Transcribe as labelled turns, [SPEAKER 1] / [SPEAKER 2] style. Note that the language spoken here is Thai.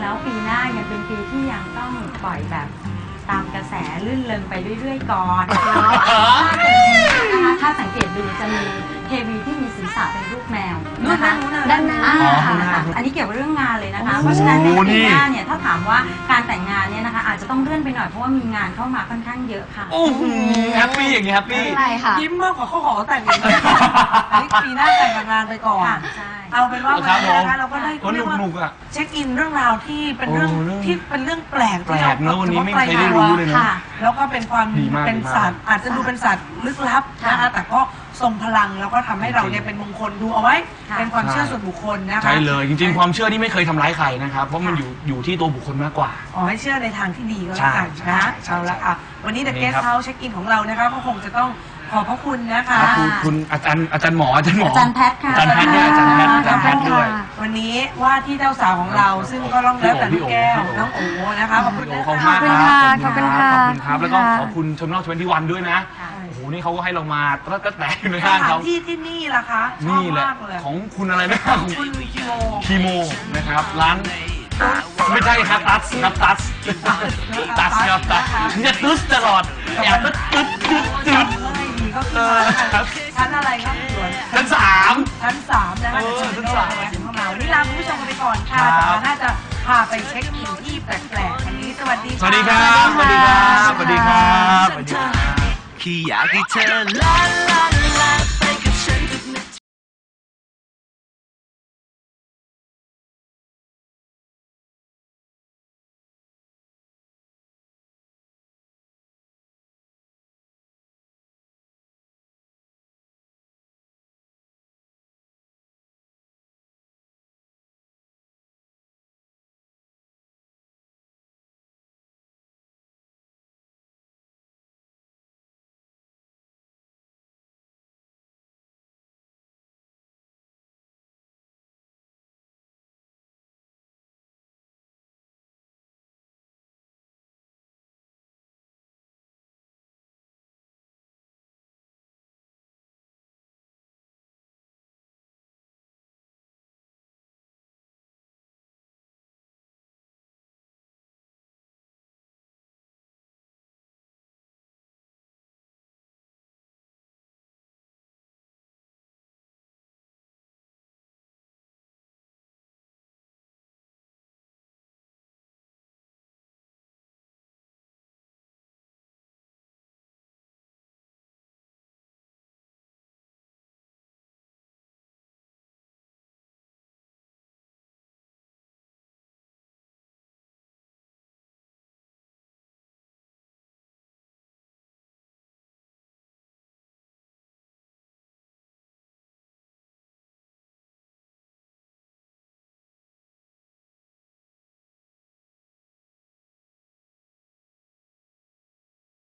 [SPEAKER 1] แล้วปีหน้ายังเป็นปีที่ยังต้องปล่อยแบบตามกระแสลื่นเริงไปเรื่อยๆก่อนนะคะถ้าสังเกตดูจะมีเทวีที่มีศีรษะเป็นรูปแมวนะคะด้านหน้าอันนี้เกี่ยวกับเรื่องงานเลยนะคะเพราะฉะนั้นในปีหน้าเนี่ยถ้าถามว่าการแต่งงานเนี่ยนะคะอาจจะต้องเลื่อนไปหน่อยเพราะว่ามีงานเข้ามาค่อนข้างเยอะค่ะ
[SPEAKER 2] โอ้โหแฮปปี้อย่างเงี้ยแฮปปี้
[SPEAKER 3] ใช่ค่ะ
[SPEAKER 4] ยิ้มมากกว่าเขาขอแต่งงานปีหน้าแต่งงานไปก่อนเอาเป็นว่าวันนี้นะคะเราก็ได้เรียกว่าเช็คอินเรื่องราวที่เป็นเรื่องแปลกที่เรา
[SPEAKER 2] วันนี้ไม่เคยได้รู้เลยนะ
[SPEAKER 4] แล้วก็เป็นความเป็นสัตว์อาจจะดูเป็นสัตว์ลึกลับนะคะแต่ก็ทรงพลังแล้วก็ทำให้เราเนี่ยเป็นมงคลดูเอาไว้เป็นความเชื่อส่วนบุคคลนะคะ
[SPEAKER 2] ใช่เลยจริงๆความเชื่อที่ไม่เคยทำร้ายใครนะครับเพราะมันอยู่ที่ตัวบุคคลมากกว่า
[SPEAKER 4] ให้เชื่อในทางที่ดีก็แล้วกันนะเอาละค่ะวันนี้ The Guest House เช็คอินของเรานะคะก็คงจะต้องขอบพระคุณนะคะ
[SPEAKER 2] คุณอาจารย์หมออาจารย์
[SPEAKER 1] แพทย์ค่ะ
[SPEAKER 2] อาจารย์แพทย์ด้วยอาจารย์แพทย์ด้วย
[SPEAKER 4] วันนี้ว่าที่เจ้าสาวของเราซึ่งก็ต้องแล้วแต่แก้วน้องโอ๋นะคะขอบคุณ
[SPEAKER 3] ขอบคุณค่ะขอบคุณค่ะ
[SPEAKER 2] ขอบคุณครับแล้วก็ขอบคุณชมนอก21ด้วยนะโอ้โหนี่เขาก็ให้เรามาก็แตกอยู่ในห้างเขา
[SPEAKER 4] ที่นี่ล่ะคะ
[SPEAKER 2] นี่แหละของคุณอะไรนะ
[SPEAKER 4] ของคุณ
[SPEAKER 2] คีโมนะครับร้านไม่ใช่ครับตัสครับตัสครับตัสจะตึ๊ดตลอดอยากตึ๊ด
[SPEAKER 4] ก็คือชั้นอะไรครับสวน
[SPEAKER 2] ชั้น3
[SPEAKER 4] นะคะชั้น3ถึงเข้ามาวันนี้ลาคุณผู้ชมกันไปก่อนค่ะน่าจะพาไปเช็คอินที่แปลกๆวันนี้สวัสดี
[SPEAKER 2] สวัสดีครับสวัสดีครับสวัสดีครับ
[SPEAKER 5] แค่อยากให้เธอลา